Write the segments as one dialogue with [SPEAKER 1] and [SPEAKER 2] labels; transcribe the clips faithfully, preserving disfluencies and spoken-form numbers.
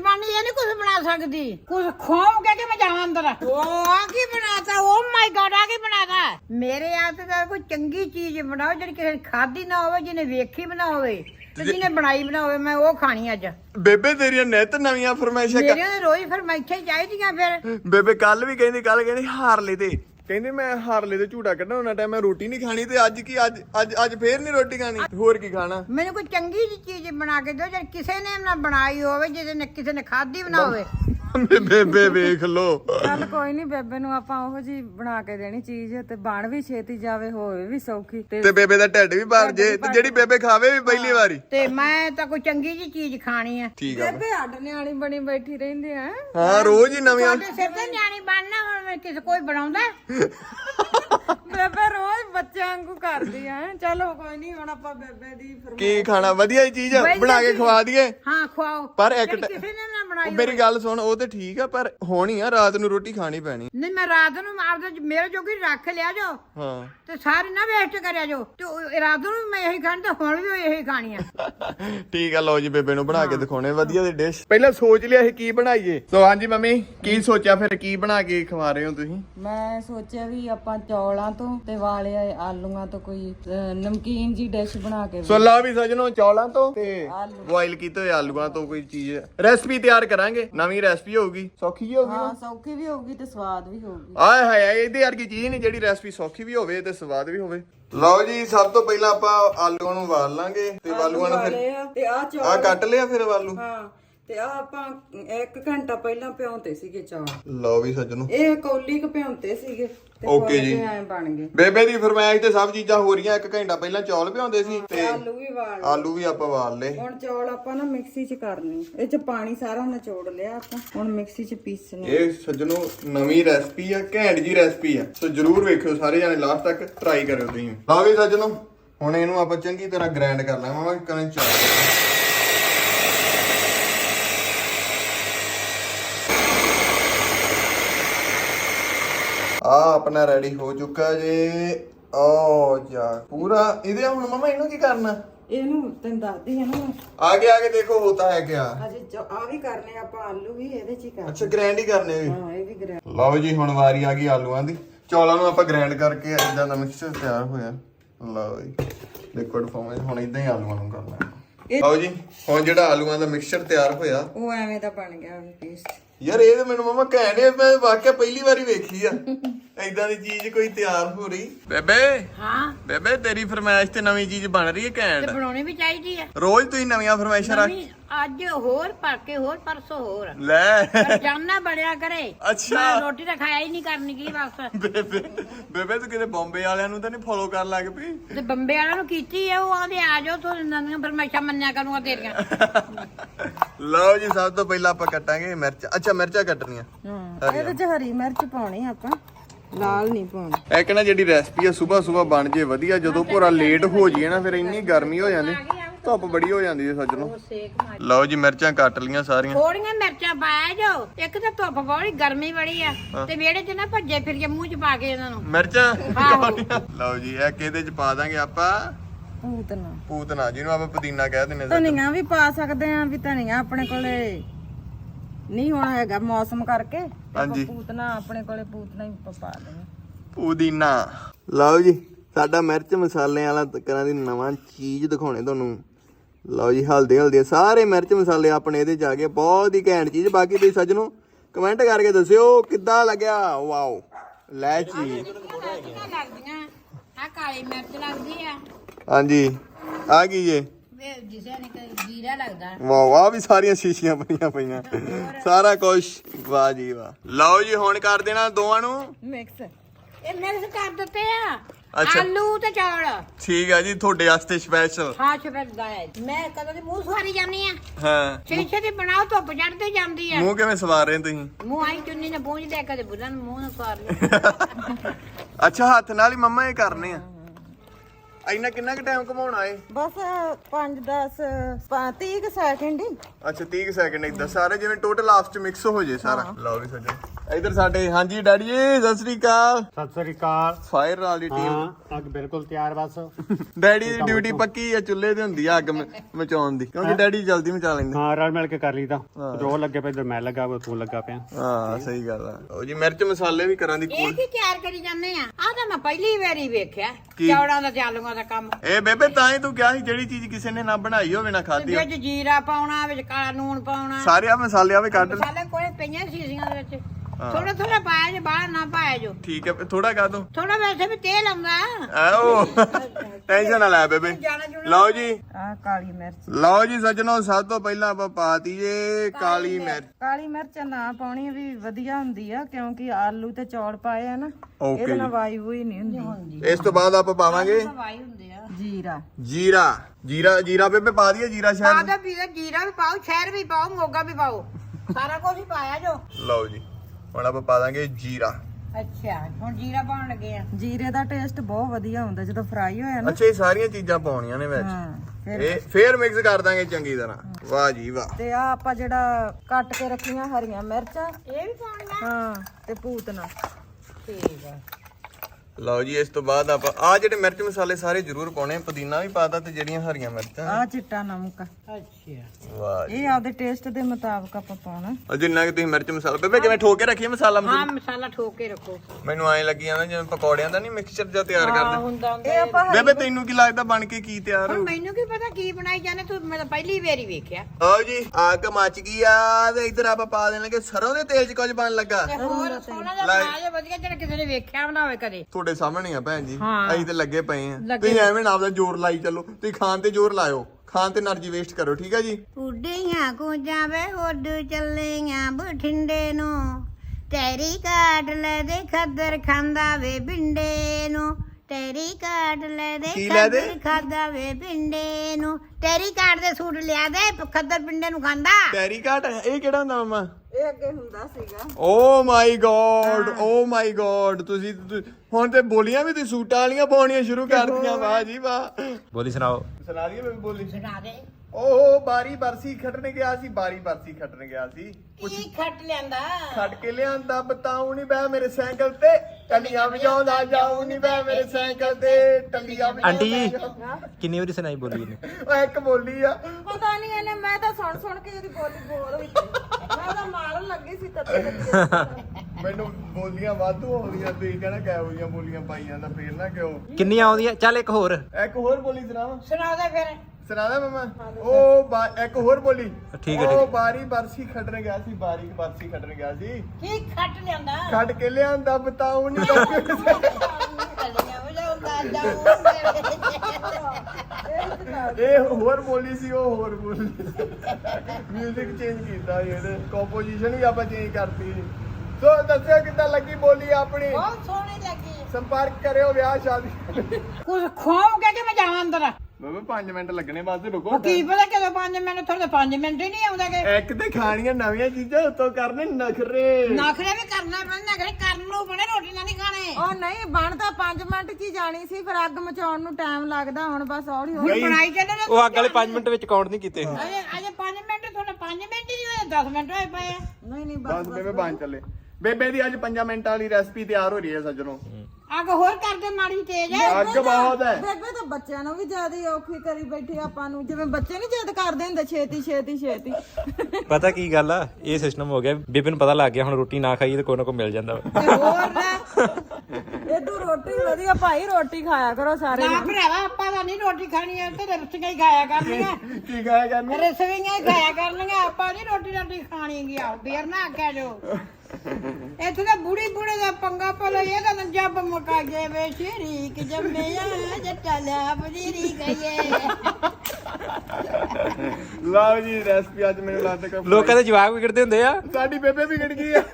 [SPEAKER 1] ਜਨਾਨੀ ਇਹ ਨਹੀਂ ਕੁਝ ਬਣਾ ਸਕਦੀ ਕੁਝ ਖੋਮ ਕੇ ਕਿ ਮੈਂ ਜਾਵਾਂ ਅੰਦਰ ਉਹ ਆ ਕੀ ਬਣਾਤਾ ਓ ਮਾਈ ਗॉड ਆ ਕੀ ਬਣਾਤਾ ਮੇਰੇ ਹੱਥ ਦਾ ਕੋਈ ਚੰਗੀ ਚੀਜ਼ ਬਣਾਓ ਜਿਹੜੀ ਕਿਸੇ ਨੇ ਖਾਧੀ ਨਾ ਹੋਵੇ ਜਿਹਨੇ ਵੇਖੀ ਬਣਾ ਹੋਵੇ ਤੇ ਜਿਹਨੇ ਬਣਾਈ ਬਣਾ ਹੋਵੇ ਮੈਂ ਉਹ ਖਾਣੀ ਅੱਜ
[SPEAKER 2] ਬੇਬੇ ਤੇਰੀਆਂ ਨਿੱਤ ਨਵੀਆਂ ਫਰਮਾਇਸ਼ਾਂ
[SPEAKER 1] ਮੇਰੀਆਂ ਤਾਂ ਰੋਜ਼ ਫਰਮਾਇਸ਼ਾਂ ਹੀ ਚਾਹੀਦੀਆਂ ਫਿਰ
[SPEAKER 2] ਬੇਬੇ ਕੱਲ ਵੀ ਕਹਿੰਦੀ ਕੱਲ ਕਹਿੰਦੀ ਹਾਰਲੇ ਤੇ ਕਹਿੰਦੀ ਮੈਂ ਹਾਰਲੇ ਤੇ ਝੂਟਾ ਕੱਢਣਾ ਉਹਨਾਂ ਟਾਈਮ ਮੈਂ ਰੋਟੀ ਨਹੀਂ ਖਾਣੀ ਤੇ ਅੱਜ ਕੀ ਅੱਜ ਅੱਜ ਅੱਜ ਫੇਰ ਨਹੀਂ ਰੋਟੀ ਖਾਣੀ ਹੋਰ ਕੀ ਖਾਣਾ
[SPEAKER 1] ਮੈਨੂੰ ਕੋਈ ਚੰਗੀ ਜਿਹੀ ਚੀਜ਼ ਬਣਾ ਕੇ ਦਿਓ ਜਿਹੜੀ ਕਿਸੇ ਨੇ ਨਾ ਬਣਾਈ ਹੋਵੇ ਜਿਹਦੇ ਨੇ ਕਿਸੇ ਨੇ ਖਾਧੀ ਬਣਾ ਹੋਵੇ
[SPEAKER 2] ਬੇਬੇ ਵੇਖ ਲੋ
[SPEAKER 3] ਚੱਲ ਕੋਈ ਨਹੀਂ ਬੇਬੇ ਨੂੰ ਆਪਾਂ ਉਹੋ ਜੀ ਬਣਾ ਕੇ ਦੇਣੀ ਚੀਜ਼ ਤੇ ਬਣ ਵੀ ਛੇਤੀ ਜਾਵੇ ਹੋਵੇ ਵੀ ਸੌਖੀ
[SPEAKER 2] ਤੇ ਬੇਬੇ ਦਾ ਢਿੱਡ ਵੀ ਭਰ ਜੇ ਤੇ ਜਿਹੜੀ ਬੇਬੇ ਖਾਵੇ ਵੀ ਪਹਿਲੀ ਵਾਰੀ
[SPEAKER 1] ਤੇ ਮੈਂ ਤਾਂ ਕੋਈ ਚੰਗੀ ਜਿਹੀ ਚੀਜ਼ ਖਾਣੀ ਆ
[SPEAKER 2] ਠੀਕ ਆ
[SPEAKER 3] ਬੇਬੇ ਅੱਡ ਨਿਆਣੀ ਬਣੀ ਬੈਠੀ ਰਹਿੰਦੀ ਆ
[SPEAKER 2] ਹਾਂ ਰੋਜ਼ ਹੀ ਨਵੀਆਂ
[SPEAKER 1] ਤੁਹਾਡੇ ਸਿਰ ਤੇ ਨਿਆਣੀ ਬਣਨਾ ਹੁਣ ਮੈਂ ਕਿਸੇ ਕੋਈ ਬਣਾਉਂਦਾ
[SPEAKER 3] ਬੇਬੇ ਰੋਜ਼ ਬੱਚਿਆਂ ਵਾਂਗੂ ਕਰਦੀ ਆ ਚਲੋ ਕੋਈ ਨਹੀਂ ਹੁਣ ਆਪਾਂ ਬੇਬੇ ਦੀ
[SPEAKER 2] ਕੀ ਖਾਣਾ ਵਧੀਆ ਹੀ ਚੀਜ਼ ਆ ਬਣਾ ਕੇ ਖਵਾ ਦਈਏ
[SPEAKER 1] ਹਾਂ ਖਵਾਓ
[SPEAKER 2] ਪਰ ਇੱਕ
[SPEAKER 1] ਜਿਹੜੀ ਕਿਸੇ ਨੇ ਨਾ ਬਣਾਈ
[SPEAKER 2] ਮੇਰੀ ਗੱਲ ਸੁਣ ਉਹ ਤੇ ਠੀਕ ਆ ਪਰ ਹੋਣੀ ਆ ਰਾਤ ਨੂੰ ਰੋਟੀ ਖਾਣੀ ਪੈਣੀ
[SPEAKER 1] ਨਹੀਂ ਮੈਂ ਰਾਤ ਨੂੰ ਆਪਦਾ ਮੇਰੇ ਜੋਗੀ ਰੱਖ ਲਿਆ ਜੋ
[SPEAKER 2] ਹਾਂ
[SPEAKER 1] ਤੇ ਸਾਰੇ ਨਾ ਵੇਸਟ ਕਰਿਆ ਜੋ ਤੇ ਉਹ ਰਾਤ ਨੂੰ ਮੈਂ ਇਹੀ ਖਾਣੀ ਤੇ ਹੁਣ ਵੀ ਇਹੀ ਖਾਣੀ ਆ
[SPEAKER 2] ਠੀਕ ਆ ਲਓ ਜੀ ਬੇਬੇ ਨੂੰ ਬਣਾ ਕੇ ਦਿਖਾਉਣੇ ਵਧੀਆ ਦੀ ਡਿਸ਼ ਪਹਿਲਾਂ ਸੋਚ ਲਿਆ ਇਹ ਕੀ ਬਣਾਈਏ ਸੋ ਹਾਂਜੀ ਮੰਮੀ ਕੀ ਸੋਚਿਆ ਫਿਰ ਕੀ ਬਣਾ ਕੇ ਖਵਾ ਰਹੇ ਹੋ ਤੁਸੀਂ
[SPEAKER 3] ਮੈਂ ਸੋਚਿਆ ਵੀ ਆਪਾਂ ਚੌਲਾਂ ਤੋਂ ਤੇ ਵਾਲੇ ਆਲੂਆਂ ਤੋਂ ਕੋਈ ਅਹ, ਨਮਕੀਨ ਜੀ ਡਿਸ਼ ਬਣਾ ਕੇ
[SPEAKER 2] ਸੋ ਲਓ ਵੀ ਸਜਣੋ ਚੌਲਾਂ ਤੋਂ ਤੇ
[SPEAKER 3] ਆਲੂ।
[SPEAKER 2] ਬੋਇਲ ਕੀਤੇ ਹੋਏ ਆਲੂਆਂ ਤੋਂ ਕੋਈ ਚੀਜ਼ ਰੈਸਪੀ ਤਿਆਰ ਕਰਾਂਗੇ ਨਵੀਂ ਰੈਸਪੀ ਹੋਊਗੀ ਸੌਖੀ ਜੀ ਹੋਊਗੀ
[SPEAKER 3] ਹਾਂ ਸੌਖੀ ਵੀ ਹੋਊਗੀ ਤੇ ਸਵਾਦ ਵੀ ਹੋਊਗੀ
[SPEAKER 2] ਆਏ ਹਾਏ ਇਹਦੇ ਵਰਗੀ ਚੀਜ਼ ਨਹੀਂ ਜਿਹੜੀ ਰੈਸਪੀ ਸੌਖੀ ਵੀ ਹੋਵੇ ਤੇ ਸਵਾਦ ਵੀ ਹੋਵੇ ਲਓ ਜੀ ਸਭ ਤੋਂ ਪਹਿਲਾਂ ਆਪਾਂ ਆਲੂਆਂ ਨੂੰ ਉਬਾਲ ਲਾਂਗੇ ਤੇ ਆਲੂਆਂ ਨੂੰ ਫਿਰ
[SPEAKER 3] ਤੇ ਆ ਚੌਲ
[SPEAKER 2] ਆ ਕੱਟ ਲਿਆ ਫਿਰ ਆਲੂ
[SPEAKER 3] ਹਾਂ ਤੇ ਆ ਆਪਾਂ ਇੱਕ ਘੰਟਾ ਪਹਿਲਾਂ ਭਿਉਂਤੇ ਸੀਗੇ ਚੌਲ
[SPEAKER 2] ਲਓ ਵੀ ਸੱਜਣੋ
[SPEAKER 3] ਇਹ ਕੌਲੀ ਕ ਭਿਉਂਤੇ ਸੀਗੇ ਤੇ
[SPEAKER 2] ਓਕੇ ਜੀ
[SPEAKER 3] ਐ ਬਣ ਗਏ
[SPEAKER 2] ਬੇਬੇ ਦੀ ਫਰਮਾਇਸ਼ ਤੇ ਸਭ ਚੀਜ਼ਾਂ ਹੋ ਰਹੀਆਂ ਇੱਕ ਘੰਟਾ ਪਹਿਲਾਂ ਚੌਲ ਭਿਉਂਦੇ ਸੀ ਤੇ
[SPEAKER 3] ਆਲੂ ਵੀ ਵਾਲ
[SPEAKER 2] ਆਲੂ ਵੀ ਆਪਾਂ ਵਾਲ ਲਏ
[SPEAKER 3] ਹੁਣ ਚੌਲ ਆਪਾਂ ਨਾ ਮਿਕਸੀ ਚ ਕਰਨੇ ਇਹ ਚ ਪਾਣੀ ਸਾਰਾ ਨਿਚੋੜ ਲਿਆ ਆਪਾਂ ਹੁਣ ਮਿਕਸੀ ਚ ਪੀਸਣੇ
[SPEAKER 2] ਇਹ ਸੱਜਣੋ ਨਵੀਂ ਰੈਸਪੀ ਆ ਘੈਂਟ ਜੀ ਰੈਸਪੀ ਆ ਸੋ ਜਰੂਰ ਵੇਖਿਓ ਸਾਰੇ ਜਾਣੇ ਲਾਸਟ ਤੱਕ ਟਰਾਈ ਕਰਿਓ ਤੁਸੀਂ ਲਓ ਵੀ ਸੱਜਣੋ ਹੁਣ ਇਹਨੂੰ ਆਪਾਂ ਚੰਗੀ ਤਰ੍ਹਾਂ ਗ੍ਰਾਈਂਡ ਕਰ ਲਵਾਂਗੇ ਕਰਨ ਚਾਹ ਆ ਆਪਣਾ ਰੈਡੀ ਹੋ ਚੁੱਕਾ ਜੇ ਓ ਜਾ ਪੂਰਾ ਇਹਦੇ ਹੁਣ ਮਮਾ ਇਹਨੂੰ ਕੀ ਕਰਨਾ
[SPEAKER 3] ਇਹਨੂੰ ਤੈਨੂੰ ਦੱਸਦੀ ਆ ਨਾ ਮੈਂ।
[SPEAKER 2] ਆਗੇ ਆਗੇ ਦੇਖੋ ਹੋਤਾ ਹੈ ਕਿਆ
[SPEAKER 3] ਅਜੇ ਆ ਵੀ ਕਰਨੇ ਆਪਾਂ ਆਲੂ ਵੀ ਇਹਦੇ ਚ ਹੀ ਕਰਨੇ
[SPEAKER 2] ਅੱਛਾ ਗ੍ਰਾਈਂਡ ਹੀ ਕਰਨੇ ਵੀ
[SPEAKER 3] ਹਾਂ ਇਹ ਵੀ ਗ੍ਰੈਂਡ
[SPEAKER 2] ਲਓ ਜੀ ਹੁਣ ਵਾਰੀ ਆ ਗਈ ਆਲੂਆਂ ਦੀ ਚੌਲਾਂ ਨੂੰ ਆਪਾਂ ਗ੍ਰਾਈਂਡ ਕਰਕੇ ਇਦਾਂ ਦਾ ਮਿਕਸਚਰ ਤਿਆਰ ਹੋਇਆ ਲਓ ਜੀ ਲਿਕੁਇਡ ਫਾਰਮ ਵਿੱਚ ਹੁਣ ਇਦਾਂ ਹੀ ਆਲੂਆਂ ਨੂੰ ਕਰਨਾ ਲਓ ਜੀ ਹੁਣ ਜਿਹੜਾ ਆਲੂਆਂ ਦਾ ਮਿਕਸਚਰ ਤਿਆਰ ਹੋਇਆ
[SPEAKER 3] ਉਹ ਐਵੇਂ ਦਾ ਬਣ ਗਿਆ ਪੇਸਟ
[SPEAKER 2] ਯਾਰ ਇਹ ਤਾਂ ਮੈਨੂੰ ਮਮਾ ਕਹਿਣੇ ਮੈਂ ਵਾਕਿਆ ਪਹਿਲੀ ਵਾਰੀ ਵੇਖੀ ਆ ਇਦਾਂ ਦੀ ਚੀਜ਼ ਕੋਈ ਤਿਆਰ ਹੋ ਰਹੀ ਬੇਬੇ
[SPEAKER 1] ਹਾਂ
[SPEAKER 2] ਬੇਬੇ ਤੇਰੀ ਫਰਮਾਇਸ਼ ਤੇ ਨਵੀਂ ਚੀਜ਼ ਬਣ ਰਹੀ ਹੈ
[SPEAKER 1] ਤੇ
[SPEAKER 2] ਘੈਂਟ
[SPEAKER 1] ਬਣਾਉਣੀ ਵੀ ਚਾਹੀਦੀ ਆ
[SPEAKER 2] ਰੋਜ਼ ਤੁਸੀਂ ਨਵੀਆਂ ਫਰਮਾਇਸ਼ਾਂ ਰੱਖ
[SPEAKER 1] ਨਵੀਂ ਅੱਜ ਹੋਰ ਭਰ ਕੇ ਹੋਰ ਪਰਸੋਂ ਹੋਰ
[SPEAKER 2] ਲੈ
[SPEAKER 1] ਪਰ ਜਾਨਣਾ ਬੜਿਆ ਕਰੇ
[SPEAKER 2] ਅੱਛਾ।
[SPEAKER 1] ਮੈਂ ਰੋਟੀ ਤਾਂ ਖਾਇਆ ਹੀ ਨਹੀਂ ਕਰਨੀ ਕੀ ਬਸ
[SPEAKER 2] ਬੇਬੇ ਬੇਬੇ ਤੂੰ ਕਿਤੇ ਬੰਬੇ ਵਾਲਿਆਂ ਨੂੰ ਤਾਂ ਨਹੀਂ ਫੋਲੋ ਕਰਨ ਲੱਗ ਪਈ
[SPEAKER 1] ਤੇ ਬੰਬੇ ਵਾਲਿਆਂ ਨੂੰ ਕੀਤੀ ਆ ਉਹ ਆਂਦੇ ਆ ਜਾਓ ਤੁਹਾਨੂੰ ਨਵੀਆਂ ਫਰਮਾਇਸ਼ਾਂ ਮੰਨਿਆ ਕਰੂੰਗਾ ਤੇਰੀਆਂ
[SPEAKER 2] ਲਓ ਜੀ ਸਭ ਤੋਂ ਪਹਿਲਾਂ ਆਪਾਂ ਕੱਟਾਂਗੇ ਮਿਰਚ ਅੱਛਾ ਮਿਰਚਾਂ ਕੱਟਣੀਆਂ
[SPEAKER 3] ਹਾਂ ਇਹਦੇ ਚ ਹਰੀ ਮਿਰਚ ਪਾਉਣੀ ਆਪਾਂ ਲਾਲ ਨਹੀਂ ਪਾਉਣੀ
[SPEAKER 2] ਇਹ ਕਹਿੰਦਾ ਜਿਹੜੀ ਰੈਸਪੀ ਆ ਸਵੇਰ ਸਵੇਰ ਬਣ ਜੇ ਵਧੀਆ ਜਦੋਂ ਪੂਰਾ ਲੇਟ ਹੋ ਜਾਈਏ ਨਾ ਫਿਰ ਇੰਨੀ ਗਰਮੀ ਹੋ ਜਾਂਦੀ ਧੁੱਪ ਬੜੀ ਹੋ ਜਾਂਦੀ ਹੈ ਸੱਜਣੋ ਲਓ ਜੀ ਮਿਰਚਾਂ ਕੱਟ ਲੀਆਂ ਸਾਰੀਆਂ
[SPEAKER 1] ਥੋੜੀਆਂ ਮਿਰਚਾਂ ਪਾਇਆ ਜੋ ਇੱਕ ਤਾਂ ਧੁੱਪ ਬੜੀ ਗਰਮੀ ਬੜੀ ਆ ਤੇ ਵਿਹੜੇ 'ਚ ਨਾ ਭੱਜੇ ਫਿਰੀਏ ਮੂੰਹ 'ਚ ਪਾ ਕੇ ਇਹਨਾਂ ਨੂੰ
[SPEAKER 2] ਮਿਰਚਾਂ
[SPEAKER 1] ਆਹੋ।
[SPEAKER 2] ਲਓ ਜੀ ਇਹ ਕਿਹਦੇ ਚ ਪਾ ਦਾਂਗੇ ਆਪਾਂ
[SPEAKER 3] ਪੂਤਨਾ
[SPEAKER 2] ਪੂਤਨਾ ਜਿਹਨੂੰ ਆਪਾਂ ਪੁਦੀਨਾ ਕਹਿ ਦਿੰਦੇ ਸੱਜਣੋ।
[SPEAKER 3] ਧਨੀਆ ਵੀ ਪਾ ਸਕਦੇ ਆ ਵੀ ਧਨੀਆ ਆਪਣੇ ਕੋਲੇ ਨਹੀਂ ਹੋਣਾ ਹੈਗਾ ਮੌਸਮ ਕਰਕੇ
[SPEAKER 2] ਹਾਂਜੀ।
[SPEAKER 3] ਪੂਤਨਾ ਆਪਣੇ ਕੋਲੇ ਪੂਤਨਾ ਹੀ ਪਾ ਦੇਣਾ
[SPEAKER 2] ਪੁਦੀਨਾ ਲਓ ਜੀ ਸਾਡਾ ਮਿਰਚ ਮਸਾਲੇ ਵਾਲਾ ਤਰ੍ਹਾਂ ਦੀ ਨਵਾਂ ਚੀਜ਼ ਦਿਖਾਉਣੇ ਤੁਹਾਨੂੰ ਲਓ ਜੀ ਹਲਦੇ ਹਲਦੇ ਸਾਰੇ ਮਿਰਚ ਮਸਾਲੇ ਆਪਣੇ ਇਹਦੇ ਚ ਆ ਗਏ ਬਹੁਤ ਹੀ ਘੈਂਟ ਚੀਜ਼ ਬਾਕੀ ਤੁਸੀਂ ਸੱਜਣੋ ਕਮੈਂਟ ਕਰਕੇ ਦੱਸਿਓ ਕਿੱਦਾਂ ਲੱਗਿਆ ਵਾਓ ਲੈ ਜੀ
[SPEAKER 1] ਲੱਗਦੀਆਂ ਆ ਕਾਲੀ ਮਿਰਚ ਲੱਗਦੀ ਆ
[SPEAKER 2] ਹਾਂਜੀ ਆ ਗਈ ਜੇ
[SPEAKER 1] ਵੇ ਜਿਸੇ ਨੇ ਕਿ ਜੀਰਾ ਲੱਗਦਾ
[SPEAKER 2] ਵਾਓ ਆ ਵੀ ਸਾਰੀਆਂ ਸ਼ੀਸ਼ੀਆਂ ਪਈਆਂ ਪਈਆਂ ਸਾਰਾ ਕੁਝ ਵਾਹ ਜੀ ਵਾਹ ਲਓ ਜੀ ਹੁਣ ਕਰ ਦੇਣਾ ਦੋਵਾਂ ਨੂੰ
[SPEAKER 3] ਮਿਕਸ
[SPEAKER 1] ਇਹ ਮਿਕਸ ਕਰ ਦਿੱਤੇ ਆ
[SPEAKER 2] ਅੱਛਾ।
[SPEAKER 1] ਆਲੂ ਤੇ ਚੌਲ
[SPEAKER 2] ਠੀਕ ਆ ਜੀ ਤੁਹਾਡੇ ਵਾਸਤੇ ਸਪੈਸ਼ਲ
[SPEAKER 1] ਹਾਂ ਸ਼ਬਦ ਹੈ ਮੈਂ ਕਦੋਂ ਦੀ ਮੂੰਹ ਸਵਾਰੀ ਜਾਂਦੀ ਆ
[SPEAKER 2] ਹਾਂ
[SPEAKER 1] ਸ਼ੀਸ਼ੇ ਤੇ ਬਣਾਓ ਧੁੱਪ ਚੜਦੇ ਜਾਂਦੀ ਆ
[SPEAKER 2] ਮੂੰਹ ਕਿਵੇਂ ਸਵਾਰ ਰਹੇ ਤੁਸੀਂ
[SPEAKER 1] ਮੂੰਹ ਆਈ ਚੁੰਨੀ ਨੇ ਪੂੰਝ ਦੇ ਕਦੇ ਬੁੱਲਾਂ ਨੂੰ ਮੂੰਹ ਨਾਲ ਸਵਾਰ ਲਿਆ
[SPEAKER 2] ਅੱਛਾ ਹੱਥ ਨਾਲ ਹੀ ਮੰਮਾ ਇਹ ਕਰਨੇ ਆ ਇੰਨਾ ਕਿੰਨਾ ਕੁ ਟਾਈਮ ਘਮਾਉਣਾ ਏ
[SPEAKER 3] ਬਸ ਪੰਜ ਦਸ ਤੀਹ ਸੈਕਿੰਡ ਹੀ
[SPEAKER 2] ਅੱਛਾ ਤੀਹ ਸੈਕਿੰਡ ਇਦਾਂ ਸਾਰੇ ਜਿਵੇਂ ਟੋਟਲ ਆਪਸ ਚ ਮਿਕਸ ਹੋ ਜੇ ਸਾਰਾ ਲਓ ਵੀ ਸੱਜਣ ਇਧਰ ਸਾਡੇ ਹਾਂਜੀ ਡੈਡੀ ਜੀ ਸਤਿ ਸ੍ਰੀ ਅਕਾਲ।
[SPEAKER 4] ਸਤਿ ਸ੍ਰੀ ਅਕਾਲ।
[SPEAKER 2] ਫਾਇਰ ਵਾਲੀ ਟੀਮ
[SPEAKER 4] ਹਾਂ ਅੱਗ ਬਿਲਕੁਲ ਤਿਆਰ ਬਸ।
[SPEAKER 2] ਡੈਡੀ ਦੀ ਡਿਊਟੀ ਪੱਕੀ ਆ ਚੁੱਲ੍ਹੇ ਤੇ ਹੁੰਦੀ ਆ ਅੱਗ ਮ- ਮਚਾਉਣ ਦੀ ਕਿਉਂਕਿ ਡੈਡੀ ਜਲਦੀ ਮਚਾ ਲੈਂਦੇ।
[SPEAKER 4] ਹਾਂ ਰਲ ਮਿਲ ਕੇ ਕਰ ਲਈਦਾ। ਰੋ ਲੱਗੇ ਪਏ, ਇਧਰ ਮੈਂ ਲੱਗਾ ਪਿਆ, ਤੂੰ ਲੱਗਾ ਪਿਆ।
[SPEAKER 2] ਹਾਂ ਸਹੀ ਗੱਲ ਆ। ਉਹ ਜੀ ਮਿਰਚ ਮਸਾਲੇ ਵੀ ਕਰਾਂ ਦੀ
[SPEAKER 1] ਇਹ
[SPEAKER 2] ਕੋਲ।
[SPEAKER 1] ਕੀ ਤਿਆਰ ਕਰੀ ਜਾਂਦੇ ਆ? ਆਹ ਤਾਂ ਮੈਂ ਪਹਿਲੀ ਵਾਰੀ ਵੇਖਿਆ
[SPEAKER 2] ਕੀ?
[SPEAKER 1] ਚੌੜਾਂ ਦਾ ਤੇ ਆਲੂਆਂ ਦਾ ਕੰਮ।
[SPEAKER 2] ਇਹ ਬੇਬੇ ਤਾਂ ਹੀ ਤੂੰ ਕਿਹਾ ਸੀ ਜਿਹੜੀ ਚੀਜ਼ ਕਿਸੇ ਨੇ ਨਾ ਬਣਾਈ ਹੋਵੇ ਨਾ ਖਾਧੀ ਹੋਵੇ।
[SPEAKER 1] ਵਿੱਚ ਜੀਰਾ ਪਾਉਣਾ, ਵਿੱਚ ਕਾਲਾ ਨੂਣ ਪਾਉਣਾ,
[SPEAKER 2] ਸਾਰੇ ਆ ਮਸਾਲੇ ਆਵੇ ਕੱਢ ਲੈ।
[SPEAKER 1] ਮਸਾਲੇ ਕੋਲੇ ਪਈਆਂ ਸੀਸੀਆਂ ਦੇ ਵਿੱਚ। ਥੋੜਾ ਥੋੜਾ ਪਾਇਆ ਜੇ, ਬਾਹਰ ਨਾ ਪਾਇਆ ਜੋ।
[SPEAKER 2] ਠੀਕ ਹੈ ਥੋੜਾ ਕਾ ਦੋ
[SPEAKER 1] ਥੋੜਾ ਵੈਸੇ ਵੀ ਤੇਲ ਆਉਂਦਾ।
[SPEAKER 2] ਆਓ ਟੈਨਸ਼ਨ ਨਾ ਲੈ ਬੇਬੇ। ਲਓ ਜੀ
[SPEAKER 3] ਆ ਕਾਲੀ ਮਿਰਚ।
[SPEAKER 2] ਲਓ ਜੀ ਸੱਜਣੋ ਸਭ ਤੋਂ ਪਹਿਲਾਂ ਆਪਾਂ ਪਾਤੀ ਜੇ ਕਾਲੀ ਮਿਰਚ।
[SPEAKER 3] ਕਾਲੀ ਮਿਰਚ ਨਾ ਪਾਉਣੀ ਵੀ ਵਧੀਆ ਹੁੰਦੀ ਆ ਕਿਉਂਕਿ ਆਲੂ ਤੇ ਚੌਲ ਪਾਏ ਆ ਨਾ,
[SPEAKER 2] ਓਕੇ
[SPEAKER 3] ਇਹਦੇ ਨਾਲ
[SPEAKER 2] ਜੀ।
[SPEAKER 3] ਵਾਈ ਵੂਈ ਨਹੀਂ ਹੁੰਦੀ।
[SPEAKER 2] ਇਸ ਤੋਂ ਬਾਅਦ ਆਪਾਂ ਪਾਵਾਂਗੇ
[SPEAKER 1] ਹਵਾਈ ਹੁੰਦੇ ਆ।
[SPEAKER 3] ਜੀਰਾ।
[SPEAKER 2] ਜੀਰਾ। ਜੀਰਾ ਜੀਰਾ ਬੇਬੇ ਪਾ ਦਈਏ ਜੀਰਾ ਸ਼ਾਇਦ।
[SPEAKER 1] ਆਦਾ ਪੀਦਾ ਜੀਰਾ ਵੀ ਪਾਓ, ਸ਼ਹਿਰ ਵੀ ਪਾਓ, ਮੋਗਾ ਵੀ ਪਾਓ, ਸਾਰਾ ਕੁਝ ਹੀ ਪਾਇਆ ਜੋ।
[SPEAKER 2] ਲਓ ਜੀ ਹੁਣ ਆਪਾਂ ਪਾ ਦਾਂਗੇ ਜੀਰਾ।
[SPEAKER 1] ਅੱਛਾ ਹੁਣ ਜੀਰਾ ਪਾਉਣ ਲੱਗੇ ਆ।
[SPEAKER 3] ਜੀਰੇ ਦਾ ਟੇਸਟ ਬਹੁਤ ਵਧੀਆ ਹੁੰਦਾ ਜਦੋਂ ਫਰਾਈ ਹੋਇਆ ਨਾ।
[SPEAKER 2] ਅੱਛਾ ਇਹ ਸਾਰੀਆਂ ਚੀਜ਼ਾਂ ਪਾਉਣੀਆਂ ਨੇ ਵਿੱਚ।
[SPEAKER 3] ਹਾਂ ਫਿਰ
[SPEAKER 2] ਇਹ ਫੇਰ ਮਿਕਸ ਕਰ ਦਾਂਗੇ ਚੰਗੀ ਤਰ੍ਹਾਂ। ਵਾਹ ਜੀ ਵਾਹ।
[SPEAKER 3] ਤੇ ਆ ਆਪਾਂ ਜਿਹੜਾ ਕੱਟ ਕੇ ਰੱਖੀਆਂ ਹਰੀਆਂ ਮਿਰਚਾਂ,
[SPEAKER 1] ਇਹ ਵੀ ਪਾਉਣੀਆਂ।
[SPEAKER 3] ਹਾਂ ਤੇ ਪੂਤਨਾ।
[SPEAKER 1] ਠੀਕ ਆ।
[SPEAKER 2] ਲਓ ਜੀ ਇਸ ਤੋਂ ਬਾਅਦ ਆਪਾਂ ਆ ਜਿਹੜੇ ਮਿਰਚ ਮਸਾਲੇ ਸਾਰੇ ਜ਼ਰੂਰ ਪਾਉਣੇ। ਪੁਦੀਨਾ ਵੀ ਪਾਤਾ ਤੇ ਜਿਹੜੀਆਂ ਹਰੀਆਂ ਮਿਰਚਾਂ।
[SPEAKER 3] ਆ ਚਿੱਟਾ ਨਮਕ।
[SPEAKER 1] ਅੱਛਾ
[SPEAKER 2] ਵਾਹ ਜੀ।
[SPEAKER 3] ਇਹ ਆਪਦੇ ਟੇਸਟ ਦੇ ਮੁਤਾਬਕ ਆਪਾਂ ਪਾਉਣਾ।
[SPEAKER 2] ਉਹ ਜਿੰਨਾ ਕਿ ਤੁਸੀਂ ਮਿਰਚ ਮਸਾਲਾ ਬੇਬੇ ਕਿਵੇਂ ਠੋਕ ਕੇ ਰੱਖੀਏ ਮਸਾਲਾ
[SPEAKER 1] ਹਾਂ ਮਸਾਲਾ ਠੋਕ ਕੇ ਰੱਖੋ।
[SPEAKER 2] ਮੈਨੂੰ ਐਂ ਲੱਗੀ ਜਾਂਦਾ ਜਿਵੇਂ ਪਕੌੜਿਆਂ ਦਾ ਨਹੀਂ ਮਿਕਸਚਰ ਜਿਹਾ ਤਿਆਰ ਕਰਦੇ।
[SPEAKER 1] ਹੁੰਦਾ ਹੁੰਦਾ।
[SPEAKER 3] ਇਹ ਆਪਾਂ
[SPEAKER 2] ਬੇਬੇ ਤੈਨੂੰ ਕੀ ਲੱਗਦਾ ਬਣ ਕੇ ਕੀ ਤਿਆਰ
[SPEAKER 1] ਹੁਣ
[SPEAKER 2] ਹੋ?
[SPEAKER 1] ਮੈਨੂੰ ਕੀ ਪਤਾ ਕੀ ਬਣਾਈ ਜਾਂਦੇ ਤੂੰ, ਮੈਂ ਤਾਂ ਪਹਿਲੀ ਵਾਰੀ ਵੇਖਿਆ।
[SPEAKER 2] ਆਓ ਜੀ ਅੱਗ ਮੱਚ ਗਈ ਆ ਤੇ ਇੱਧਰ ਆਪਾਂ ਪਾ ਦੇਣ ਲੱਗੇ ਸਰੋਂ ਦੇ ਤੇਲ 'ਚ ਕੁਝ ਬਣ ਲੱਗਾ।
[SPEAKER 1] ਤੇ ਹੋਰ ਸੋਨਾ ਦਾ
[SPEAKER 2] ਲੈ।
[SPEAKER 1] ਬਣਾ ਜੇ ਵਧੀਆ, ਜਿਹੜਾ ਕਿਸੇ ਨੇ ਵੇਖਿਆ ਨਾ ਹੋਵੇ ਕਦੇ।
[SPEAKER 2] ਤੁਹਾਡੇ ਸਾਹਮਣੇ ਆ ਭੈਣ ਜੀ।
[SPEAKER 1] ਹਾਂ।
[SPEAKER 2] ਅਸੀਂ ਤੇ ਲੱਗੇ ਪਏ ਆ।
[SPEAKER 1] ਲੱਗੇ
[SPEAKER 2] ਤੁਸੀਂ ਐਵੇਂ ਨਾ ਆਪਦਾ ਜ਼ੋਰ ਲਾਈ ਚੱਲੋ। ਤੁਸੀਂ ਖਾਣ ਤੇ ਜ਼ੋਰ ਲਾਇਓ, ਖਾਣ ਤੇ એનર્ਜੀ ਵੇਸਟ ਕਰੋ ਠੀਕ ਹੈ ਜੀ।
[SPEAKER 1] ਉੱਡੀਆਂ ਕੁੰਜਾਂ ਵੇ ਉੱਡ ਚੱਲੀਆਂ ਬਠਿੰਡੇ ਨੂੰ, ਤੇਰੀ ਕਾਟ ਲੈ ਦੇ ਖੱਦਰ ਖਾਂਦਾ ਵੇ ਬਿੰਡੇ ਨੂੰ, ਤੇਰੀ ਕਾਟ ਲੈ ਦੇ
[SPEAKER 2] ਕੀ ਲੈ ਦੇ?
[SPEAKER 1] ਖੱਦਰ ਖਾਂਦਾ ਵੇ ਬਿੰਡੇ ਨੂੰ, ਤੇਰੀ ਕਾਟ ਦੇ ਸੂਟ ਲਿਆ ਦੇ ਖੱਦਰ ਬਿੰਡੇ ਨੂੰ ਖਾਂਦਾ।
[SPEAKER 2] ਟੈਰੀ ਕਾਟ ਇਹ ਕਿਹੜਾ ਹੁੰਦਾ ਮਮਾ?
[SPEAKER 3] ਇਹ ਅੱਗੇ ਹੁੰਦਾ ਸੀਗਾ।
[SPEAKER 2] Oh my god oh my god. ਤੁਸੀਂ ਤੁ- ਹੁਣ ਤੇ ਬੋਲੀਆਂ ਵੀ ਤੁਸੀਂ ਸੂਟਾਂ ਵਾਲੀਆਂ ਪਾਉਣੀਆਂ ਸ਼ੁਰੂ ਕਰਤੀਆਂ। ਵਾਹ ਜੀ ਵਾਹ।
[SPEAKER 5] ਬੋਲੀ ਸੁਣਾਓ।
[SPEAKER 2] ਸੁਣਾ ਦਈਏ ਬੇਬੇ ਬੋਲੀ।
[SPEAKER 1] ਸੁਣਾ ਦੇ।
[SPEAKER 2] ਓਹ ਬਾਰੀ ਬਰਸੀ ਖੱਟਣ ਗਿਆ ਸੀ, ਬਾਰੀ ਬਰਸੀ ਖੱਟਣ ਗਿਆ ਸੀ।
[SPEAKER 1] ਕੀ ਖੱਟ ਲਿਆਂਦਾ?
[SPEAKER 2] ਖੱਟ ਕੇ ਲਿਆਂਦਾ ਬਤਾਉ ਨਹੀਂ ਬੈ ਮੇਰੇ ਸਾਈਕਲ ਤੇ, ਟੱਲੀਆਂ ਵਜਾਉਂਦਾ ਜਾਉ ਨਹੀਂ ਬੈ ਮੇਰੇ ਸਾਈਕਲ ਤੇ, ਟੱਲੀਆਂ ਵਜਾਉਂਦਾ
[SPEAKER 5] ਆਂਟੀ
[SPEAKER 2] ਜਾਊਂ।
[SPEAKER 5] ਕਿੰਨੀ ਵਾਰੀ ਸੁਣਾਈ ਬੋਲੀ ਨੇ?
[SPEAKER 2] ਉਹ ਇੱਕ ਬੋਲੀ ਆ।
[SPEAKER 3] ਪਤਾ ਨਹੀਂ ਇਹਨੇ, ਮੈਂ ਤਾਂ ਸੁਣ ਸੁਣ ਕੇ ਇਹਦੀ ਬੋਲੀ ਬੋਲ ਹੋਈ ਮੈਂ ਤਾਂ ਮਾਰਨ ਲੱਗੀ ਸੀ ਤੱਤੇ ਤੱਤੇ।
[SPEAKER 2] ਮੈਨੂੰ ਬੋਲੀਆਂ ਵਾਧੂ ਆਉਂਦੀਆਂ, ਤੁਸੀਂ ਕਹਿਣਾ ਕਿਹੋ ਜਿਹੀਆਂ ਬੋਲੀਆਂ ਪਾਈਆਂ ਦਾ ਫੇਰ ਨਾ ਕਿਉਂ।
[SPEAKER 5] ਕਿੰਨੀਆਂ ਆਉਂਦੀਆਂ? ਚੱਲ ਇੱਕ ਹੋਰ।
[SPEAKER 2] ਇੱਕ ਹੋਰ ਬੋਲੀ ਸੁਣਾਵਾਂ?
[SPEAKER 1] ਸੁਣਾ ਦੇ ਫਿਰ।
[SPEAKER 2] ਸੁਣਾਦਾ ਮਮਾ? ਉਹ ਬਾ- ਇੱਕ ਹੋਰ ਬੋਲੀ।
[SPEAKER 5] ਠੀਕ ਹੈ,
[SPEAKER 2] ਉਹ
[SPEAKER 5] ਠੀਕ।
[SPEAKER 2] ਬਾਰੀ ਬਰਸੀ ਖੱਟਣ ਗਿਆ ਸੀ, ਬਾਰੀ ਬਰਸੀ ਖੱਟਣ ਗਿਆ ਸੀ,
[SPEAKER 1] ਕੀ ਖੱਟ ਲਿਆਂਦਾ?
[SPEAKER 2] ਖੱਟ ਕੇ ਲਿਆਂਦਾ ਬਤਾਉ ਨਹੀਂ ਬੈ
[SPEAKER 1] ਟੱਲੀਆਂ ਵਜਾਉਂਦਾ ਜਾਊਂ
[SPEAKER 2] ਇਹ ਹੋਰ ਬੋਲੀ ਸੀ, ਉਹ ਹੋਰ ਬੋਲੀ। ਮਿਊਜ਼ਿਕ ਚੇਂਜ ਕੀਤਾ ਇਹਨੇ, ਕੰਪੋਜੀਸ਼ਨ ਵੀ ਆਪਾਂ ਚੇਂਜ ਕਰਤੀ। ਸੋ ਦੱਸਿਓ ਕਿੱਦਾਂ ਲੱਗੀ ਬੋਲੀ ਆਪਣੀ।
[SPEAKER 1] ਬਹੁਤ ਸੋਹਣੀ ਲੱਗੀ।
[SPEAKER 2] ਸੰਪਰਕ ਕਰਿਓ ਵਿਆਹ ਸ਼ਾਦੀ।
[SPEAKER 1] ਕੁਝ ਖੋਮ ਕੇ ਕਿ ਮੈਂ ਜਾਵਾਂ ਅੰਦਰ।
[SPEAKER 2] ਬਾਬਾ ਪੰਜ ਮਿੰਟ ਲੱਗਣੇ ਬਸ ਰੁਕੋ।
[SPEAKER 1] ਉਹ ਕੀ ਪਤਾ ਕਦੋਂ ਪੰਜ ਮਿੰਟ, ਥੋੜੇ ਪੰਜ ਮਿੰਟ ਹੀ ਨਹੀਂ ਆਉਂਦਾ ਕਿ।
[SPEAKER 2] ਇੱਕ ਤੇ ਖਾਣੀਆਂ ਨਵੀਆਂ ਚੀਜ਼ਾਂ ਉੱਤੋਂ ਕਰਨੇ ਨਖਰੇ।
[SPEAKER 1] ਨਖਰੇ ਵੀ ਕਰਨਾ ਪੈਂਦਾ, ਨਖਰੇ ਕਰਨ ਨੂੰ ਬਣੇ, ਰੋਟੀ ਨਾਲ ਨਹੀਂ ਖਾਣੇ।
[SPEAKER 3] ਉਹ ਨਹੀਂ ਬਣ ਤਾਂ ਪੰਜ ਮਿੰਟ ਚ ਹੀ ਜਾਣੀ ਸੀ, ਫਿਰ ਅੱਗ ਮਚਾਉਣ ਨੂੰ ਟਾਈਮ ਲੱਗਦਾ। ਹੁਣ ਬਸ ਹੌਲੀ ਹੌਲੀ
[SPEAKER 2] ਨਹੀਂ।
[SPEAKER 1] ਬਣਾਈ ਚੱਲੋ ਨਾ।
[SPEAKER 5] ਉਹ ਅੱਗ ਵਾਲੇ ਪੰਜ ਮਿੰਟ ਵਿੱਚ ਕਾਊਂਟ ਨਹੀਂ ਕੀਤੇ।
[SPEAKER 1] ਅਜੇ ਅਜੇ ਪੰਜ ਮਿੰਟ, ਥੋੜਾ ਪੰਜ ਮਿੰਟ ਹੀ ਨਹੀਂ ਹੋਏ, ਦਸ ਮਿੰਟ ਹੋਏ ਪਏ ਆ।
[SPEAKER 3] ਨਹੀਂ ਨਹੀਂ
[SPEAKER 2] ਬਸ ਬੇਬੇ ਬਣ ਚੱਲੇ। ਬੇਬੇ ਦੀ ਅੱਜ ਪੰਜਾਂ ਮਿੰਟਾਂ ਵਾਲੀ ਰੈਸਪੀ ਤਿਆਰ ਹੋ ਰਹੀ ਹੈ ਸੱਜਣੋ।
[SPEAKER 1] ਅੱਗ ਹੋਰ ਕਰਦੇ ਮਾੜੀ ਤੇਜ਼।
[SPEAKER 2] ਅੱਗ ਬਹੁਤ ਹੈ।
[SPEAKER 3] ਬੇਬੇ ਤਾਂ ਬੱਚਿਆਂ ਨੂੰ ਵੀ ਜ਼ਿਆਦਾ ਔਖੀ ਕਰੀ ਬੈਠੀ ਆਪਾਂ ਨੂੰ, ਜਿਵੇਂ ਬੱਚੇ ਨਹੀਂ ਜਿੱਦ ਕਰਦੇ ਹੁੰਦੇ ਛੇਤੀ ਛੇਤੀ ਛੇਤੀ।
[SPEAKER 5] ਪਤਾ ਕੀ ਗੱਲ ਆ, ਇਹ ਸਿਸਟਮ ਹੋ ਗਿਆ। ਬੇਬੇ ਨੂੰ ਪਤਾ ਲੱਗ ਗਿਆ ਹੁਣ ਰੋਟੀ ਨਾ ਖਾਈਏ ਤਾਂ ਕੋਈ ਨਾ ਕੋਈ ਮਿਲ ਜਾਂਦਾ ਵਾ।
[SPEAKER 1] ਤੇ ਹੋਰ ਨਾ
[SPEAKER 3] ਇਦੋਂ ਰੋਟੀ ਵਧੀਆ ਭਾਈ, ਰੋਟੀ ਖਾਇਆ ਕਰੋ ਸਾਰੇ।
[SPEAKER 1] ਨਾ ਭਰਾਵਾ, ਆਪਾਂ ਤਾਂ ਨਹੀਂ ਰੋਟੀ ਖਾਣੀ, ਐ ਤੇ ਰਸਗੀਆਂ ਹੀ ਖਾਇਆ ਕਰਨੀਆਂ।
[SPEAKER 2] ਕੀ ਖਾਇਆ ਕਰਨੀ?
[SPEAKER 1] ਰਸਗੀਆਂ ਹੀ ਖਾਇਆ ਕਰਨੀਆਂ, ਆਪਾਂ ਨਹੀਂ ਰੋਟੀ ਰਾਟੀ ਖਾਣੀ ਗਿਆ। ਫੇਰ ਨਾ ਆਖਿਆ ਜੋ ਇੱਥੇ ਤਾਂ ਬੁੜੀ ਬੁੜੇ ਦਾ ਪੰਗਾ ਪਲੋ, ਇਹ ਤਾਂ ਜੱਬ ਮੁਕਾ ਗਏ ਵੇ ਸ਼ਰੀਕ ਜੰਮਿਆ ਜੱਟਾ ਲਿਆ ਬਜੀਰੀ ਗਈਏ।
[SPEAKER 2] ਲਓ ਜੀ ਰੈਸਪੀ ਅੱਜ ਮੈਨੂੰ ਲੱਗਦਾ ਕਿ
[SPEAKER 5] ਲੋਕਾਂ ਦੇ ਜਵਾਕ ਵਿਗੜਦੇ ਹੁੰਦੇ ਆ।
[SPEAKER 2] ਸਾਡੀ ਬੇਬੇ ਵਿਗੜ ਗਈ ਆ।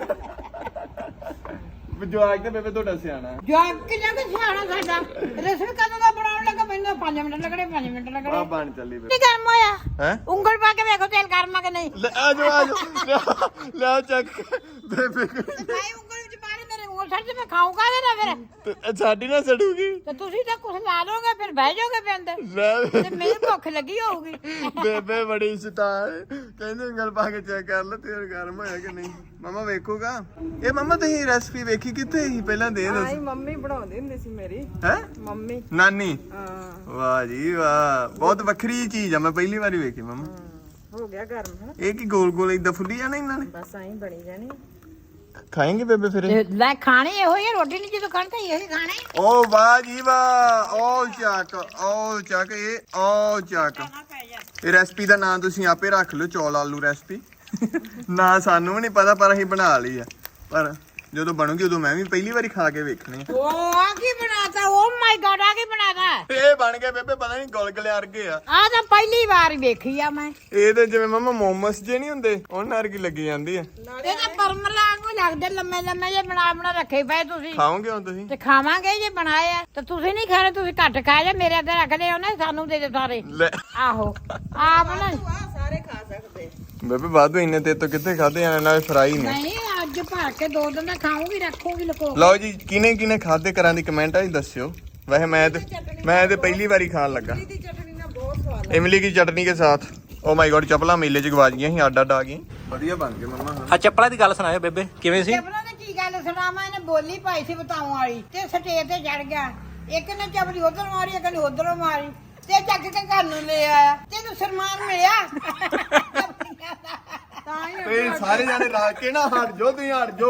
[SPEAKER 2] ਜਵਾਕ ਤੇ ਬੇਬੇ ਤੁਹਾਡਾ ਸਿਆਣਾ।
[SPEAKER 1] ਜਵਾਕ ਕਿੰਨਾ ਕੁ ਸਿਆਣਾ ਸਾਡਾ। ਰਸਮ ਕਦੋਂ ਦਾ ਬਣਾਉਣ ਲੱਗਾ? ਮੈਨੂੰ ਪੰਜ ਮਿੰਟ ਲੱਗਣੇ, ਪੰਜ ਮਿੰਟ
[SPEAKER 2] ਆ
[SPEAKER 1] ਲੱਗਣੇ।
[SPEAKER 2] ਬਣ ਚੱਲੀ ਬੇਬੇ।
[SPEAKER 1] ਕੀ ਗਰਮ ਹੋਇਆ?
[SPEAKER 2] ਹੈ
[SPEAKER 1] ਉਂਗਲ ਪਾ ਕੇ ਵੇਖੋ ਤੇਲ ਗਰਮ ਆ ਕਿ ਨਹੀਂ।
[SPEAKER 2] ਲੈ ਆ ਜਾ ਆ ਜਾ ਲੈ ਚੱਕ ਬੇਬੇ
[SPEAKER 1] ਭਾਈ ਉਂਗਲ ਵਿੱਚ ਪਾ ਲੈ, ਮੇਰੇ ਉਂਗਲ ਛੱਡ ਤੇ ਮੈਂ ਖਾਊਂਗਾ ਨਾ ਫਿਰ
[SPEAKER 2] ਤੇ ਸਾਡੀ ਨਾ ਸੜੂਗੀ
[SPEAKER 1] ਤੇ ਤੁਸੀਂ ਤਾਂ ਕੁਛ ਲਾ ਲੋਗੇ ਫਿਰ ਬਹਿ ਜਾਓਗੇ ਫਿਰ ਅੰਦਰ
[SPEAKER 2] ਲੈ
[SPEAKER 1] ਤੇ ਮੇਰੀ ਭੁੱਖ ਲੱਗੀ ਹੋਊਗੀ
[SPEAKER 2] ਬੇਬੇ ਬੜੀ ਸ਼ੈਤਾਨ ਕਹਿੰਦੇ ਉਂਗਲ ਪਾ ਕੇ ਚੈੱਕ ਕਰ ਲੈ ਤੇਰੇ ਗਰਮ ਹੋਇਆ ਕਿ ਨਹੀਂ ਮਮਾ ਵੇਖੂਗਾ ਇਹ ਮਮਾ ਤੁਸੀਂ ਰੈਸਪੀ ਵੇਖੀ ਕਿੱਥੇ ਸੀ ਪਹਿਲਾਂ ਦੇ ਦੱਸ
[SPEAKER 3] ਆਈ ਮੰਮੀ ਬਣਾਉਂਦੀ ਹੁੰਦੀ ਸੀ ਮੇਰੀ
[SPEAKER 2] ਹੈ
[SPEAKER 3] ਮੰਮੀ
[SPEAKER 2] ਨਾਨੀ
[SPEAKER 3] ਹਾਂ
[SPEAKER 2] ਵਾਹ ਜੀ ਵਾਹ ਬਹੁਤ ਵੱਖਰੀ ਚੀਜ਼ ਆ ਮੈਂ ਪਹਿਲੀ ਵਾਰੀ ਵੇਖੀ ਮਮਾ
[SPEAKER 3] ਹੋ ਗਿਆ ਗਰਮ ਹੈ
[SPEAKER 2] ਇਹ ਕੀ ਗੋਲ ਗੋਲ ਇਦਾਂ ਫੁੱਲੀ ਜਾਣਾ ਇਹਨਾਂ ਨੇ
[SPEAKER 3] ਬਸ ਐਂ ਬਣੀ ਜਾਣੀ
[SPEAKER 2] ਖਾਏਂਗੇ ਬੇਬੇ ਫਿਰ ਇਹ?
[SPEAKER 1] ਲੈ ਖਾਣੀ ਇਹੋ ਹੀ ਆ, ਰੋਟੀ ਨਹੀਂ ਜਦੋਂ ਖਾਣੀ ਤਾਂ ਇਹੋ ਹੀ ਖਾਣਾ ਹੈ।
[SPEAKER 2] ਓ ਵਾਹ ਜੀ ਵਾਹ ਓ ਚੱਕ ਓ ਚੱਕ ਇਹ ਓ ਚੱਕ ਇਹ ਰੈਸਪੀ ਦਾ ਨਾਮ ਤੁਸੀਂ ਆਪੇ ਰੱਖ ਲਓ ਚੌਲ ਆਲੂ ਰੈਸਪੀ ਨਾ ਸਾਨੂੰ ਵੀ ਨਹੀਂ ਪਤਾ ਪਰ ਅਸੀਂ ਬਣਾ ਲਈ ਆ ਪਰ ਜਦੋਂ ਬਣੂਗੀ ਉਦੋਂ ਮੈਂ ਵੀ ਪਹਿਲੀ ਵਾਰੀ ਖਾ ਕੇ ਵੇਖਣੀ ਆ
[SPEAKER 1] ਉਹ ਆ ਕੀ ਬਣਾਤਾ ਓ ਮਾਈ ਗॉड ਆ ਕੀ ਬਣਾਤਾ
[SPEAKER 2] ਇਹ ਬਣ ਗਏ ਬੇਬੇ ਪਤਾ ਨਹੀਂ ਗੁਲਗੁਲੇ ਵਰਗੇ ਆ
[SPEAKER 1] ਆ ਤਾਂ ਪਹਿਲੀ ਵਾਰ ਹੀ ਵੇਖੀ ਆ ਮੈਂ
[SPEAKER 2] ਇਹ ਤੇ ਜਿਵੇਂ ਮਮਾ ਮੋਮਸ ਜੇ ਨਹੀਂ ਹੁੰਦੇ ਉਹਨਾਂ ਵਰਗੀ ਲੱਗੀ ਜਾਂਦੀ ਆ
[SPEAKER 1] ਇਹ ਤਾਂ ਪਰਮਲਾ ਵਾਂਗੂ ਲੱਗਦੇ ਲੰਮੇ ਲੰਮੇ ਜੇ ਬਣਾ ਬਣਾ ਰੱਖੇ ਪਏ ਤੁਸੀਂ
[SPEAKER 2] ਖਾਓਗੇ ਹੁਣ ਤੁਸੀਂ
[SPEAKER 1] ਤੇ ਖਾਵਾਂਗੇ ਜੇ ਬਣਾਏ ਆ ਤੇ ਤੁਸੀਂ ਨਹੀਂ ਖਾਣੇ ਤੁਸੀਂ ਘੱਟ ਖਾ ਜਾ ਮੇਰੇ ਅੱਗੇ ਰੱਖ ਲਿਓ ਨਾ ਸਾਨੂੰ ਦੇ ਦੇ ਸਾਰੇ
[SPEAKER 2] ਲੈ
[SPEAKER 1] ਆਹੋ ਆਪ ਨਾ
[SPEAKER 3] ਸਾਰੇ ਖਾ ਸਕਦੇ
[SPEAKER 2] ਬੇਬੇ ਵਾਧੂ ਇੰਨੇ ਤੇ ਤੋਂ ਕਿੱਥੇ ਖਾਦੇ ਜਾਣੇ ਨਾਲ ਫਰਾਈ ਨੇ
[SPEAKER 1] ਨਹੀਂ ਅੱਜ ਭਰ ਕੇ ਦੋ ਦਿਨ ਦਾ ਖਾਊਂਗੀ ਰੱਖੂਗੀ ਲਕੋ
[SPEAKER 2] ਲਓ ਜੀ ਕਿਨੇ ਕਿਨੇ ਖਾਦੇ ਕਰਾਂ ਦੀ ਕਮੈਂਟਾਂ 'ਚ ਦੱਸਿਓ ਵੈਸੇ ਮੈਂ ਤੇ ਮੈਂ ਤੇ ਪਹਿਲੀ ਵਾਰੀ ਖਾਣ ਲੱਗਾ
[SPEAKER 3] ਦੀ ਚਟਨੀ ਨਾਲ ਬਹੁਤ ਸਵਾਦ
[SPEAKER 2] ਇਮਲੀ ਕੀ ਚਟਨੀ ਕੇ ਸਾਥ ਓ ਮਾਈ ਗॉड ਚਪਲਾ ਮੇਲੇ 'ਚ ਗਵਾ ਗਈਆਂ ਸੀ ਅੱਡ ਅੱਡ ਆ ਗਈਆਂ ਵਧੀਆ ਬਣ ਗਏ ਮੰਮਾ
[SPEAKER 5] ਆ ਚੱਪਲਾਂ ਦੀ ਗੱਲ ਸੁਣਾਇਓ ਬੇਬੇ ਕਿਵੇਂ ਸੀ
[SPEAKER 1] ਚੱਪਲਾਂ ਦੀ ਕੀ ਗੱਲ ਸੁਣਾਵਾਂ ਇਹਨੇ ਬੋਲੀ ਪਾਈ ਸੀ ਬਤਾਉਣ ਵਾਲੀ ਤੇ ਸਟੇਜ ਤੇ ਚੜ ਗਿਆ ਇੱਕ ਨੇ ਚਪਲੀ ਉਧਰ ਮਾਰੀ ਇੱਕ ਨੇ ਉਧਰੋਂ ਮਾਰੀ ਤੇ ਚੱਕ ਕੇ ਘਰ ਨੂੰ ਲੈ ਆਇਆ ਤੈਨੂੰ ਸਨਮਾਨ ਮਿਲਿਆ ਤਾਂ ਹੀ
[SPEAKER 2] ਤੇ ਸਾਰੇ ਜਾਣੇ ਰਾ ਕੇ ਨਾ ਹਟ ਜੋ ਤੁਸੀਂ ਹਟ ਜੋ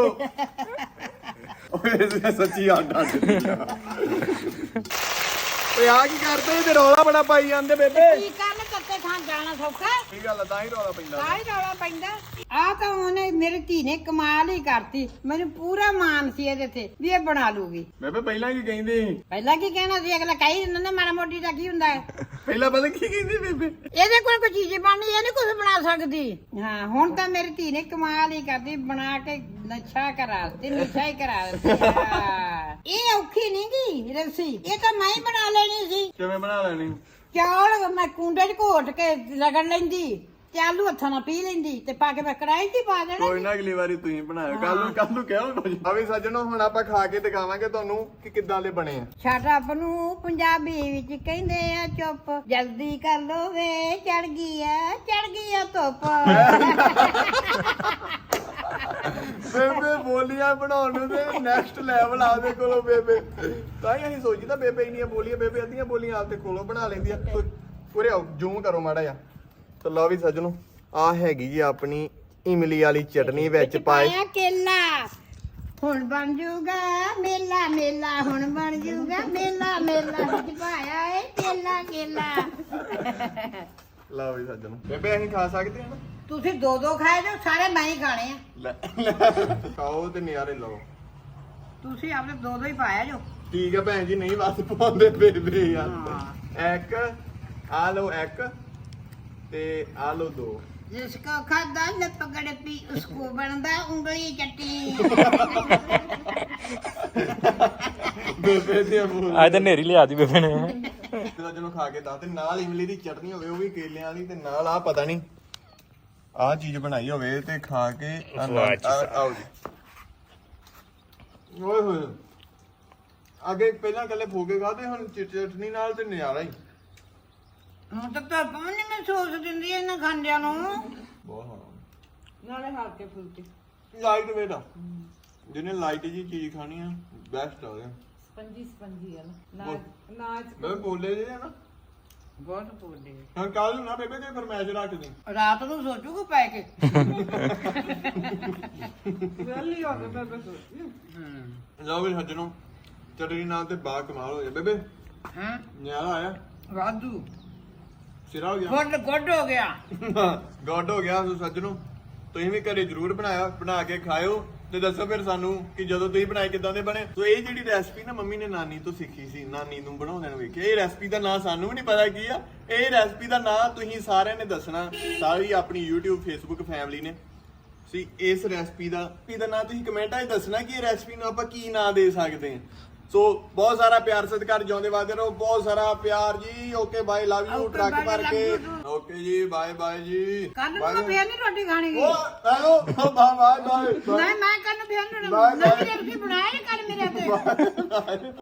[SPEAKER 2] ਓਏ ਸੱਚੀ ਅੱਡ ਅੱਡ ਓਏ ਆ ਕੀ ਕਰਦੇ ਤੇ ਰੌਲਾ ਬੜਾ ਪਾਈ ਜਾਂਦੇ ਬੇਬੇ
[SPEAKER 1] ਕੀ ਕਰਨ ਕੱਤੇ ਖਾਣ ਜਾਣਾ ਸੌਖਾ
[SPEAKER 2] ਕੀ ਗੱਲ ਆ ਤਾਂ ਹੀ ਰੌਲਾ ਪੈਂਦਾ
[SPEAKER 1] ਆਹ ਹੀ ਰੌਲਾ ਪੈਂਦਾ ਆ ਤਾਂ ਉਹਨੇ ਮੇਰੀ ਧੀ ਨੇ ਕਮਾਲ ਹੀ ਕਰਤੀ ਮੈਨੂੰ ਪੂਰਾ ਮਾਣ ਸੀ ਇਹਦੇ ਤੇ ਵੀ ਇਹ ਬਣਾ ਲੂਗੀ
[SPEAKER 2] ਬੇਬੇ ਪਹਿਲਾਂ ਕੀ ਕਹਿੰਦੇ ਸੀ
[SPEAKER 1] ਪਹਿਲਾਂ ਕੀ ਕਹਿਣਾ ਸੀ ਅਗਲਾ ਕਹੀ ਦਿੰਦਾ ਨਾ ਮਾੜਾ ਮੋਟੀ ਦਾ ਕੀ ਹੁੰਦਾ ਹੈ
[SPEAKER 2] ਪਹਿਲਾਂ ਪਤਾ ਕੀ ਕਹਿੰਦੀ ਬੇਬੇ
[SPEAKER 1] ਇਹਦੇ ਕੋਲ ਕੋਈ ਚੀਜ਼ ਬਣਨੀ ਇਹ ਨਹੀਂ ਕੁਝ ਬਣਾ ਸਕਦੀ ਹਾਂ ਹੁਣ ਤਾਂ ਮੇਰੀ ਧੀ ਨੇ ਕਮਾਲ ਹੀ ਕਰਦੀ ਬਣਾ ਕੇ ਨਸ਼ਾ ਕਰਾ ਦਿੱਤੀ ਨਸ਼ਾ ਹੀ ਕਰਾ ਦਿੱਤੀ ਹਾਂ। ਇਹ ਔਖੀ ਨਹੀਂ ਗੀ ਰਸੀ ਇਹ ਤਾਂ ਮੈਂ ਹੀ ਬਣਾ ਲੈਣੀ ਸੀ
[SPEAKER 2] ਕਿਵੇਂ ਬਣਾ ਲੈਣੀ
[SPEAKER 1] ਚੌਲ ਮੈਂ ਕੁੰਡੇ 'ਚ ਘੋਟ ਕੇ ਰਗੜ ਲੈਂਦੀ ਤੇ ਆਲੂ ਹੱਥਾਂ ਨਾਲ ਪੀ ਲੈਂਦੀ ਤੇ ਪਾ ਕੇ ਮੈਂ ਕੜਾਈ 'ਚ ਹੀ ਪਾ ਦੇਣਾ
[SPEAKER 2] ਕੋਈ ਨਾ ਅਗਲੀ ਵਾਰੀ ਤੁਸੀਂ ਬਣਾਇਓ ਕੱਲ ਨੂੰ ਕੱਲ ਨੂੰ ਕਿਹੋ ਕੁਝ ਆ ਵੀ ਸੱਜਣੋ ਹੁਣ ਆਪਾਂ ਖਾ ਕੇ ਦਿਖਾਵਾਂਗੇ ਤੁਹਾਨੂੰ ਕਿ ਕਿੱਦਾਂ ਦੇ ਬਣੇ ਆ
[SPEAKER 1] ਛੱਡ ਨੂੰ ਪੰਜਾਬੀ ਵਿੱਚ ਕਹਿੰਦੇ ਆ ਚੁੱਪ ਜਲਦੀ ਕਰ ਲੋ ਵੇ ਚੜ ਗਈ ਆ ਚੜ ਗਈ ਆ ਧੁੱਪ
[SPEAKER 2] ਬੇਬੇ ਬੋਲੀਆਂ ਬਣਾਉਣ ਨੂੰ ਤੇ ਨੈਕਸਟ ਲੈਵਲ ਆਦੇ ਕੋਲੋਂ ਬੇਬੇ ਤਾਂ ਹੀ ਅਸੀਂ ਸੋਚੀਦਾ ਬੇਬੇ ਇੰਨੀਆਂ ਬੋਲੀਆਂ ਬੇਬੇ ਅੱਧੀਆਂ ਬੋਲੀਆਂ ਆਪਦੇ ਕੋਲੋਂ ਬਣਾ ਲੈਂਦੀ ਆ ਪੂਰੇ ਆਓ ਜ਼ੂਮ ਕਰੋ ਮਾੜਾ ਜਿਹਾ ਤੇ ਲਓ ਵੀ ਸੱਜਣੋ ਆ ਹੈਗੀ ਜੀ ਆਪਣੀ ਇਮਲੀ ਵਾਲੀ ਚਟਨੀ ਵਿੱਚ ਪਾਏ
[SPEAKER 1] ਪਾਇਆ ਕੇਲਾ ਹੁਣ ਬਣ ਜੂਗਾ ਮੇਲਾ ਮੇਲਾ ਹੁਣ ਬਣ ਜੂਗਾ ਮੇਲਾ ਮੇਲਾ ਵਿੱਚ ਪਾਇਆ ਏ ਕੇਲਾ ਕੇਲਾ
[SPEAKER 2] ਲਓ ਵੀ ਸੱਜਣੋ ਬੇਬੇ ਅਸੀਂ ਖਾ ਸਕਦੇ ਹਾਂ ਨਾ
[SPEAKER 1] ਤੁਸੀਂ ਦੋ ਦੋ ਖਾਏ ਜੋ ਸਾਰੇ ਮੈਂ ਹੀ ਖਾਣੇ ਆ
[SPEAKER 2] ਲੈ ਖਾਓ ਤੇ ਨਿਆਰੇ ਲਓ
[SPEAKER 1] ਤੁਸੀਂ ਆਪਣੇ ਦੋ ਦੋ ਹੀ ਪਾਇਆ ਜੋ
[SPEAKER 2] ਠੀਕ ਆ ਭੈਣ ਜੀ ਨਹੀਂ ਬਸ ਪਾਉਂਦੇ ਬੇਬੇ ਯਾਰ ਇੱਕ ਆ ਲਓ ਇੱਕ ਤੇ ਆ ਲਓ ਦੋ
[SPEAKER 1] ਜਿਸਕੋ ਖਾਦਾ ਨ ਪਕੜ ਪੀ ਉਸਕੋ ਬਣਦਾ ਉਂਗਲੀ ਚੱਟੀ
[SPEAKER 2] ਬੇਬੇ ਦੇ ਮੂੰਹ
[SPEAKER 5] ਅੱਜ ਤਾਂ ਨੇਰੀ ਲਿਆ ਦੀ ਬੇਬੇ ਨੇ
[SPEAKER 2] ਜਦੋਂ ਖਾ ਕੇ ਦੱਸ ਤੇ ਨਾਲ ਇਮਲੀ ਦੀ ਚਟਨੀ ਹੋਵੇ ਉਹ ਵੀ ਕੇਲਿਆਂ ਵਾਲੀ ਤੇ ਨਾਲ ਆ ਪਤਾ ਨਹੀਂ ਆ ਚੀਜ਼ ਬਣਾਈ ਹੋਵੇ ਤੇ ਖਾ ਕੇ ਆਨੰਦ- ਆ- ਆਓ ਜੀ ਓਏ ਹੋਏ ਅੱਗੇ ਪਹਿਲਾਂ ਕੱਲੇ ਫੋਕੇ ਖਾਦੇ ਹੁਣ ਚ- ਚਟਨੀ ਨਾਲ ਤੇ ਨਜ਼ਾਰਾ ਹੀ
[SPEAKER 1] ਹੁਣ ਤਾਂ ਧੁੱਪ ਵੀ ਨਹੀਂ ਮੈਂ ਸੋਚ ਦਿੰਦੀ ਇਹਨਾਂ ਖਾਂਦਿਆਂ ਨੂੰ
[SPEAKER 2] ਬਹੁਤ ਹੋਣਾ
[SPEAKER 3] ਨਾਲੇ ਹਲਕੇ ਫੁਲਕੇ
[SPEAKER 2] ਲਾਈਟ ਵੇਟ ਆ ਜਿਹਨੇ ਲਾਈਟ ਜੀ ਚੀਜ਼ ਖਾਣੀ ਆ ਬੈਸਟ ਆ ਉਹਦੇ
[SPEAKER 3] ਸਪੰਜੀ ਸਪੰਜੀ ਆ ਨਾ ਨਾ- ਨਾਚ
[SPEAKER 2] ਮੈਂ ਬੋਲੇ ਜੇ ਨਾ
[SPEAKER 1] ਬਹੁਤ ਬੋਲਦੇ
[SPEAKER 2] ਹੁਣ ਕੱਲ ਨੂੰ ਨਾ ਬੇਬੇ ਤੇ ਫਰਮਾਇਸ਼ ਰੱਖ ਦੇ
[SPEAKER 1] ਰਾਤ ਨੂੰ ਸੋਚੂਗਾ ਪੈ ਕੇ
[SPEAKER 3] ਵੇਲੀ ਹੋ ਗਏ ਬੇਬੇ ਸੋਚੀ
[SPEAKER 2] ਲਓ ਵੀ ਸੱਜਣੋ ਚਟਨੀ ਨਾਲ ਤੇ ਬਾ ਕਮਾਲ ਹੋ ਗਿਆ ਬੇਬੇ
[SPEAKER 1] ਹਾਂ
[SPEAKER 2] ਨਿਆਰਾ ਆਇਆ
[SPEAKER 1] ਵਾਧੂ
[SPEAKER 2] ਸਿਰਾ ਹੋ ਗਿਆ
[SPEAKER 1] ਗੁੱਡ ਗੁੱਡ ਹੋ ਗਿਆ
[SPEAKER 2] ਗੋਡ ਹੋ ਗਿਆ ਸੋ ਸੱਜਣੋ ਤੁਸੀਂ ਵੀ ਘਰੇ ਜਰੂਰ ਬਣਾਇਆ ਬਣਾ ਕੇ ਖਾਇਓ ਤੇ ਦੱਸੋ ਫਿਰ ਸਾਨੂੰ ਕਿ ਜਦੋਂ ਤੁਸੀਂ ਬਣਾਏ ਕਿਦਾਂ ਦੇ ਬਣੇ ਸੋ ਇਹ ਜਿਹੜੀ ਰੈਸਪੀ ਨਾ ਮੰਮੀ ਨੇ ਨਾਨੀ ਤੋਂ ਸਿੱਖੀ ਸੀ ਨਾਨੀ ਨੂੰ ਬਣਾਉਂਦੇ ਨੂੰ ਵੇਖਿਆ ਇਹ ਰੈਸਪੀ ਦਾ ਨਾਂ ਸਾਨੂੰ ਵੀ ਨਹੀਂ ਪਤਾ ਕੀ ਆ ਇਹ ਰੈਸਪੀ ਦਾ ਨਾਂ ਤੁਸੀਂ ਸਾਰਿਆਂ ਨੇ ਦੱਸਣਾ ਸਾਰੀ ਆਪਣੀ YouTube Facebook ਫੈਮਿਲੀ ਨੇ ਸੀ ਇਸ ਰੈਸਪੀ ਦਾ ਇਹਦਾ ਨਾਂ ਤੁਸੀਂ ਕਮੈਂਟਾਂ 'ਚ ਦੱਸਣਾ ਕਿ ਇਹ ਰੈਸਪੀ ਨੂੰ ਆਪਾਂ ਕੀ ਨਾਂ ਦੇ ਸਕਦੇ ਹਾਂ ਸੋ ਬਹੁਤ ਸਾਰਾ ਪਿਆਰ ਸਤਿਕਾਰ ਜਿਉਂਦੇ ਵਾਦੇ ਰਹੋ, ਬਹੁਤ ਸਾਰਾ ਪਿਆਰ ਜੀ। Okay bye, love you truck ਭਰ ਕੇ। ਓਕੇ ਜੀ, ਬਾਏ ਬਾਏ ਜੀ।
[SPEAKER 1] ਕੱਲ ਨੂੰ ਮੈਂ ਫੇਰ ਨਹੀਂ ਰੋਟੀ ਖਾਣੀ ਗੀ।
[SPEAKER 2] Oh hello bye bye bye
[SPEAKER 1] ਨਹੀਂ ਮੈਂ ਕੱਲ ਨੂੰ ਫੇਰ ਨਹੀਂ ਨਵੀਂ ਰੋਟੀ ਬਣਾਇਆ ਕੱਲ ਮੇਰੇ ਤੇ